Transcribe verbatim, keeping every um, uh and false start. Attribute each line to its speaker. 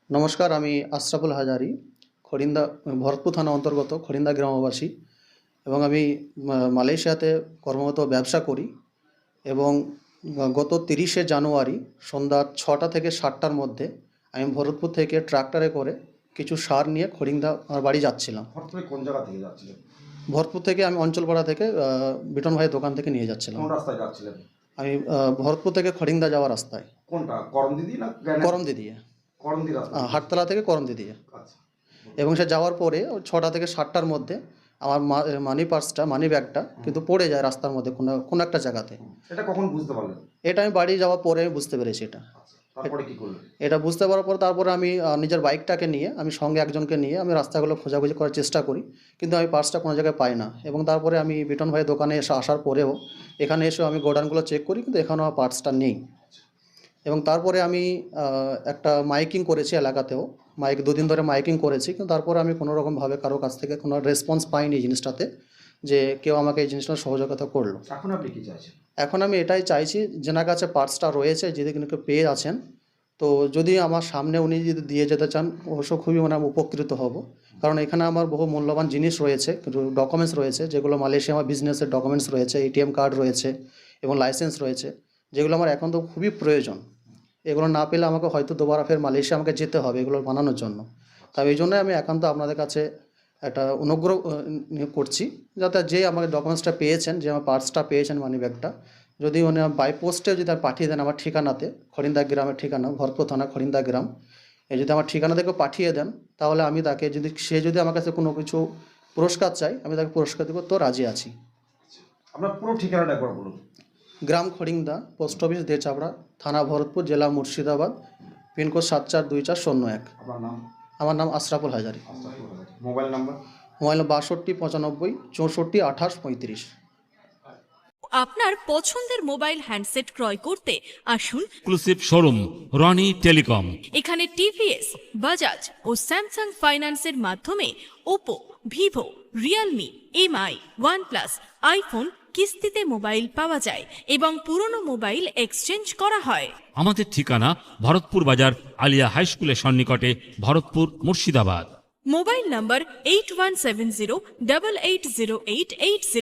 Speaker 1: নমস্কার, আমি আশরাফুল হাজারি, খড়িন্দা ভরতপুর থানা অন্তর্গত খড়িন্দা গ্রামবাসী এবং আমি মা- মালয়েশিয়াতে কর্মরত ব্যবসা করি এবং গত তিরিশে জানুয়ারি সন্ধ্যা ছটা থেকে সাতটার মধ্যে আমি ভরতপুর থেকে ট্রাক্টরে করে কিছু সার নিয়ে খড়িন্দা আমার বাড়ি যাচ্ছিলাম।
Speaker 2: হঠাৎ করে কোন জায়গা থেকে যাচ্ছিলেন?
Speaker 1: ভরতপুর থেকে আমি অঞ্চলপাড়া থেকে আহ, বিটন ভাইয়ের দোকান থেকে নিয়ে যাচ্ছিলাম।
Speaker 2: কোন রাস্তায় যাচ্ছিলেন?
Speaker 1: আমি আহ, ভরতপুর থেকে খড়িন্দা যাওয়ার রাস্তায়
Speaker 2: কোনটা, করমদি না গ্রানাইট?
Speaker 1: করমদি দিয়ে,
Speaker 2: করমদি রাস্তা।
Speaker 1: আহ, হাটতলা থেকে করমদি দিয়ে।
Speaker 2: আচ্ছা।
Speaker 1: এবং সে যাওয়ার পরে ওই ছটা থেকে সাতটার মধ্যে আমার মানি পার্সটা মানি ব্যাগটা কিন্তু পড়ে যায় রাস্তার মধ্যে কোনো কোনো একটা জায়গাতে।
Speaker 2: এটা কখন বুঝতে পারলেন?
Speaker 1: এটা আমি বাড়ি যাওয়ার পরে আমি বুঝতে পেরেছি। এটা
Speaker 2: আচ্ছা, তারপরে কি করলেন?
Speaker 1: এটা বুঝতে পারার পর তারপরে আমি আহ, নিজের বাইকটাকে নিয়ে আমি সঙ্গে একজনকে নিয়ে আমি রাস্তাগুলো খোঁজাখুঁজি করার চেষ্টা করি, কিন্তু আমি পার্সটা কোনো জায়গায় পাই না। এবং তারপরে আমি বিটন ভাইয়ের দোকানে এসে আসার পরেও এখানে এসেও আমি গোডাউনগুলো চেক করি, কিন্তু এখানেও আমার পার্সটা নেই। এবং তারপরে আমি আহ, একটা মাইকিং করেছি এলাকাতেও, মাইক দুদিন ধরে মাইকিং করেছি, কিন্তু তারপরে আমি কোনো রকমভাবে কারো কাছ থেকে কোনো রেসপন্স পাইনি এই জিনিসটাতে, যে কেউ আমাকে এই জিনিসটা সহযোগিতা করলো।
Speaker 2: এখন আপনি কি চাইছেন?
Speaker 1: এখন আমি এটাই চাইছি, যেনার কাছে পার্সটা রয়েছে, যদি কিন্তু কেউ পেয়ে আছেন, তো যদি আমার সামনে উনি যদি দিয়ে যেতে চান অবশ্য খুবই মানে আমি উপকৃত হব। কারণ এখানে আমার বহু মূল্যবান জিনিস রয়েছে, কিন্তু ডকুমেন্টস রয়েছে, যেগুলো মালয়েশিয়া আমার বিজনেসের ডকুমেন্টস রয়েছে, এটিএম কার্ড রয়েছে এবং লাইসেন্স রয়েছে, যেগুলো আমার এখন তো খুবই প্রয়োজন। এগুলো না পেলে আমাকে হয়তো দুবার ফের মালয়েশিয়া আমাকে যেতে হবে এগুলো বানানোর জন্য। তাই এই জন্যই আমি একান্ত আপনাদের কাছে একটা অনুগ্রহ আহ, নিয়ে করছি, যাতে যে আমাকে ডকুমেন্টসটা পেয়েছেন, যে আমার পার্সটা পেয়েছেন মানি ব্যাগটা, যদি উনি বাই পোস্টে যদি আর পাঠিয়ে দেন আমার ঠিকানাতে, খড়িন্দা গ্রামের ঠিকানা, ভরতপুর থানা খড়িন্দা গ্রাম, এই যদি আমার ঠিকানা থেকে পাঠিয়ে দেন, তাহলে আমি তাকে যদি সে যদি আমার কাছে কোনো কিছু পুরস্কার চাই, আমি তাকে পুরস্কার দেবো, তো রাজি আছি।
Speaker 2: আপনার পুরো ঠিকানাটা একবার বলুন।
Speaker 1: গ্রাম খড়িন্দা, পোস্ট অফিস দেচাপড়া, থানা ভরতপুর, জেলা মুর্শিদাবাদ, পিনকোড সাত চার দুই চার শূন্য এক।
Speaker 2: আপনার নাম?
Speaker 1: আমার নাম Ashraful Hazari.
Speaker 2: Ashraful Hazari. Mobile number?
Speaker 1: Mobile বাষট্টি পঁচানব্বই চৌষট্টি আঠাশ পঁয়ত্রিশ।
Speaker 3: আপনার পছন্দের মোবাইল হ্যান্ডসেট ক্রয় করতে আসুন
Speaker 4: এক্সক্লুসিভ শোরুম রনি টেলিকম।
Speaker 3: এখানে টিভিএস, বাজাজ ও স্যামসাং ফাইন্যান্সের মাধ্যমে Oppo, Vivo, Realme, Mi, OnePlus, iPhone কিস্তিতে মোবাইল পাওয়া যায় এবং পুরনো মোবাইল এক্সচেঞ্জ করা হয়।
Speaker 4: আমাদের ঠিকানা ভরতপুর বাজার আলিয়া হাই স্কুলের সন্নিকটে, Bharatpur, Murshidabad.
Speaker 3: Mobile number eight one seven zero double eight zero eight eight